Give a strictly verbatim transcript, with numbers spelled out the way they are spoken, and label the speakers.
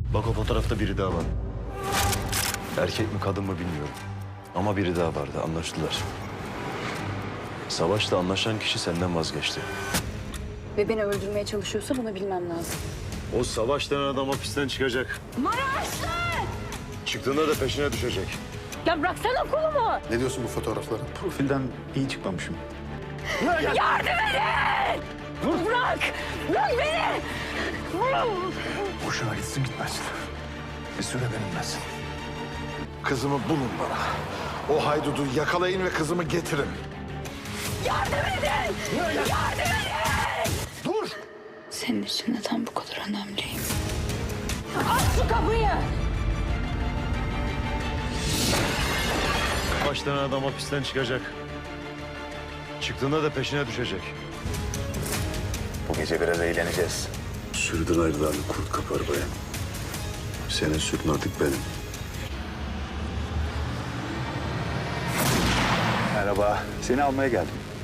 Speaker 1: Bak o fotoğrafta biri daha var. Erkek mi kadın mı bilmiyorum. Ama biri daha vardı, anlaştılar. Savaş'la anlaşan kişi senden vazgeçti.
Speaker 2: Ve beni öldürmeye çalışıyorsa bunu bilmem lazım.
Speaker 1: O Savaş denen adam hapisten çıkacak.
Speaker 2: Maraşlı!
Speaker 1: Çıktığında da peşine düşecek.
Speaker 2: Ya bıraksana kolumu!
Speaker 3: Ne diyorsun bu fotoğraflara?
Speaker 4: Profilden iyi çıkmamışım.
Speaker 2: Yardım edin! Bırak! Bırak beni!
Speaker 4: Boşuna gitsin gitmez. Bir süre benimlesin.
Speaker 3: Kızımı bulun bana. O haydudu yakalayın ve kızımı getirin.
Speaker 2: Yardım edin! Yardım edin!
Speaker 3: Dur!
Speaker 2: Senin için neden bu kadar önemliyim? Aç şu kapıyı!
Speaker 1: Savaş denen adam hapisten çıkacak. Çıktığında da peşine düşecek.
Speaker 4: Bu gece biraz eğleneceğiz.
Speaker 1: Sürdün ayrılarını kurt kapar bayan. Senin sütün artık benim.
Speaker 4: Merhaba. Seni almaya geldim.